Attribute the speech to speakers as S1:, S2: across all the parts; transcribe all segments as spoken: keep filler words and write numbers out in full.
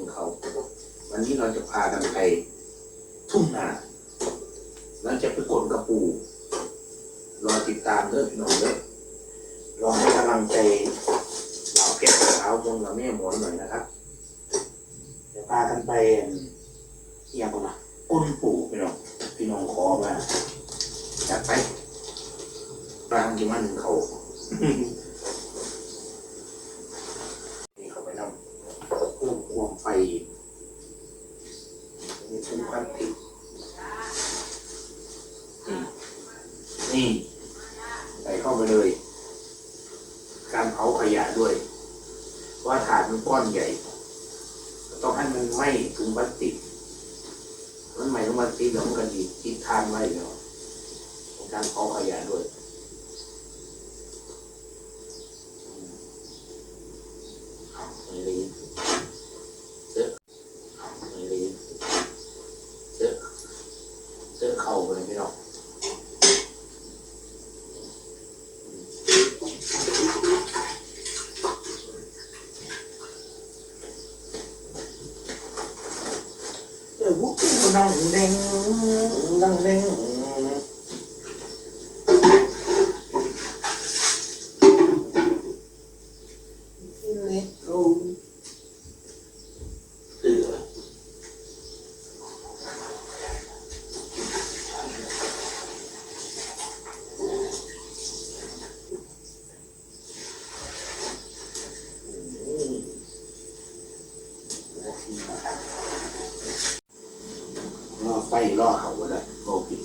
S1: เขาวันนี้เราจะพากันไปทุ่งนาเราจะไปกดกระปูรอติดตามเด้อพี่น้องเด้อรอให้กำลังใจเราเพชรสาวมงกับแม่หมอนหน่อยนะครับจะพากันไปเอียงกันนะก้นปูพี่น้องพี่น้องขอมาจัดไปปลางที่มันเขานี่เขาไปนำเพิ่มความไฟนี่เป็นความติดนี่ใส่เข้าไปเลยการเผาขยะด้วยว่าถาดมันก้อนใหญ่ต้องให้มันไหม้ถุงพลาสติกมันไหม้ถุงพลาสติกแล้วมันก็ดีติดทานไว้เนาะการเผาขยะด้วยไม่ได้เสื้อไม่ได้เสื้อเสื้อเข่าเลยพี่น้องเออวุ้งนั่งเด้งนั่งเด้งล่อไฟล่อเขาเลยโอเค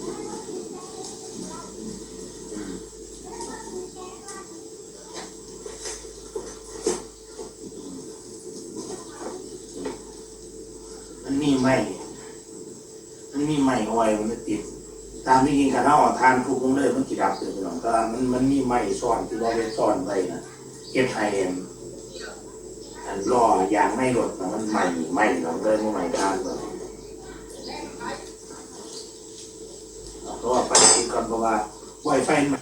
S1: มันมีไหมมันมีไหมเอาไว้มันไม่ติดตามที่กินกันถ้าออกทานทุกมื้อเลยมันกี่ดับเลยพี่น้องแต่มันมันมีไหมซ่อนที่ว่าเป็นซ่อนไว้นะเก็บไฮเอ็มอันล่อยางไม่รดนะมันไหมไหมเราเลยมันไหมทานเลยเพราะว่าไฟติดก่อนเพราะว่าไวไฟมัน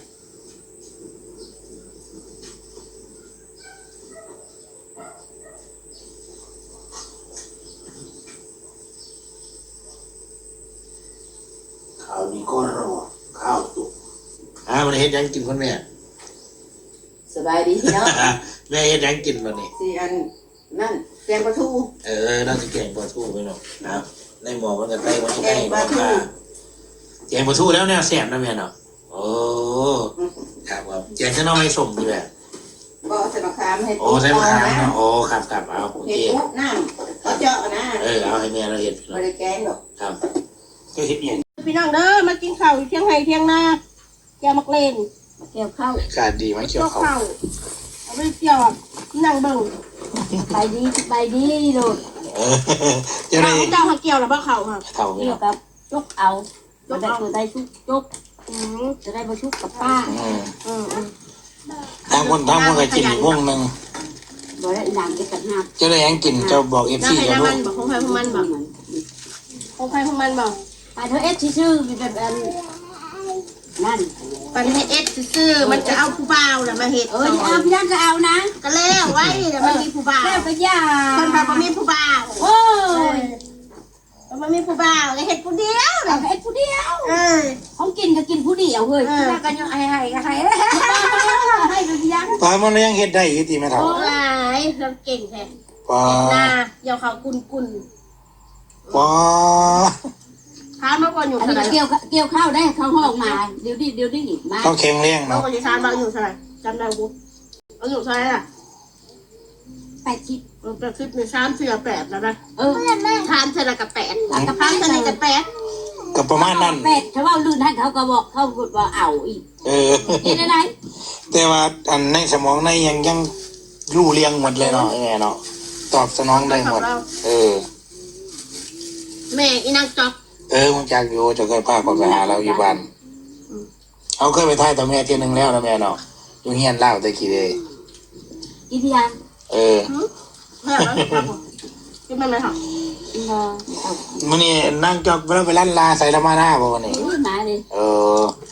S1: ข้าวนี้ก็รอข้าวสุกอ่ามันเฮ็ดยังกินคนแม่
S2: สบายดีเนาะ
S1: แม่เฮ็ดยังกินวันนี้
S2: สี่อันนั่นแกงปลาทู
S1: เออน่าจะแกงปลาทูไปเนาะนะครับในหม้อมันจะใกล้มันจะใกล้หม้อค่ะแกงปลาทูแล้วเนี่ยแซ่บนะแม่เนาะโอ้ครับครับแกงจะน้องไม่สมดีแบบ
S2: ก็ใส่มะขามให้
S1: โอ้ใส่มะขามเนาะโอ้ครับครับเอาโอเค
S2: เห็ดปุ๊บน้ำเขาเจาะนะ
S1: เออเอาให้แม่เราเห็ด
S2: ไม่ได้แกงหรอก
S1: ครับก็เห็ดเอง
S3: พี่น้องเด้อมากินข้าวเที่ยงไห้เที่ยงนาแกมักเลน
S2: แก้วข้าว
S1: การดีไหมเกี่ยวข้าว
S3: เอาไปเกี่ยวนั่งเบิ่ง
S2: ไปดีไปดีโดด
S3: เจ้าเจ้าเกี่ยวหรือเปล่าเขาค่ะ
S1: เท่า
S2: เกี่ยวกับจุกเอาจะได้จะได้ชุกจุกจะได้มาชุกกับป้า
S1: ทางคนทางคนก็กินพวกนึง
S2: บ่ได้หลังจะกัดหัก
S1: เจ้าได้ยังกินเจ้าบอกเอฟซีเจ้าลูก
S3: บอกของใครของมันบอกของใครของมันบอก
S2: ไปเธอเอสชื่อมีแบบนั่น
S3: ปันให้เอสซื่อมันจะเอาผู้บ่าวแหละมาเห็ด
S2: เออเอาพี่นั่นก็เอานะ
S3: ก็แล้วไว้แต่มันมีผู้บ่าว
S2: แล้วก็ยา
S3: คนพามันมีผู้บ่าว
S2: โอ้ย
S3: มันมีผู้บ่าวก็เห็ดผู้เดียว
S2: เอาเห็ดผู้เดียว
S3: เออ
S2: ของกินก็กินผู้เดียวเฮ้ยแล้วก็ยังให้ให้ก็ให้ให้ไปพี่ยัง
S1: ปลามันยังเห็ดได้ยี่ตีไม่เท่า
S3: โอ้ยเราเก่งแท้
S1: ปลา
S3: นาเดี๋ยวเขากุนกุน
S1: ปลา
S3: ทานมาก่อนอยู่
S2: เท่าไหร่เกี่ยวเกี่ยวข้าวได้เข้าห้องมาเดี๋ยวดิเดี๋ยวดิมา
S1: ต้องแข็งแรง
S3: เนาะก่อนจะทานบางอยู่เท่าไหร่จำได้ปุ๊บเอาอยู่เท่าไหร่ล่ะ
S2: แปดชิป
S3: แปดชิปในชามเสือแปดแล้วนะ
S2: เออ
S3: ทานเสร็จแล้วกับแปดกับทานเสร็จกับแปด
S1: กับประมาณนั้น
S2: แปดเขาว่าลื่นท่านเขาก็บอกเขาบอกว่าเอาอีก
S1: เออ
S2: เห็นอะไร
S1: แต่ว่าอันในสมองในยังยังรู้เรียงหมดเลยเนาะไงเนาะตอบสนองได้หมดเออ
S3: แม่อีนางจอก
S1: เออมึงจากอยู่จะเคยพาเขาไปหาเราอยู่บ้านเขาเคยไปถ่ายตัวแม่เที่ยนึงแล้วนะแม่เนาะอยู่เฮียนเล่าแต่กี่เดย์
S2: กี่เดือน
S1: เออ
S3: แม่แล้วกินมันไหมคะ
S1: มันนี่นั่งจอกเราไปลั่นลาใส่ละมาหน้าบ่วันนี้
S2: มาเลย
S1: เออ